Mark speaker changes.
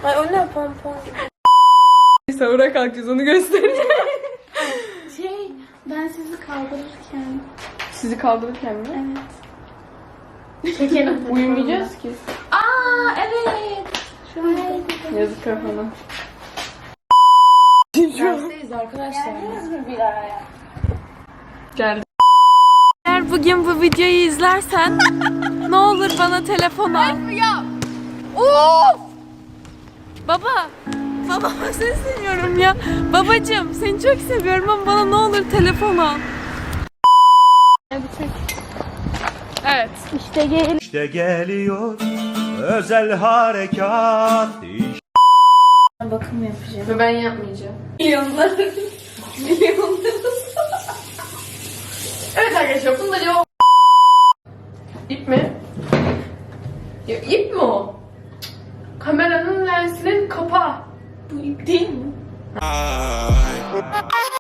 Speaker 1: Ay o ne pompon.
Speaker 2: Sahura kalkacağız, onu göstereceğim.
Speaker 1: Ben sizi kaldırırken.
Speaker 2: Sizi kaldırırken mi?
Speaker 1: Evet. Çekelim.
Speaker 2: Uyumayacağız ki.
Speaker 1: Aa evet. Şu an
Speaker 2: Yazık kafana.
Speaker 1: dersteyiz arkadaşlar. Geldiniz mi bir araya?
Speaker 2: Geldi. Eğer bugün bu videoyu izlersen ne olur bana telefon al. Ya. Of! Baba. Babama sesleniyorum ya. Babacığım seni çok seviyorum ama bana ne olur telefon al. Evet.
Speaker 3: İşte geliyor özel harekat.
Speaker 1: Bakım yapacağım.
Speaker 2: Ve ben yapmayacağım.
Speaker 1: Milyonlar.
Speaker 2: Evet arkadaşlar bunda cevap. İp mi? Ya ip mi o? Kameranın lensinin kapağı.
Speaker 1: Bu ip değil mi?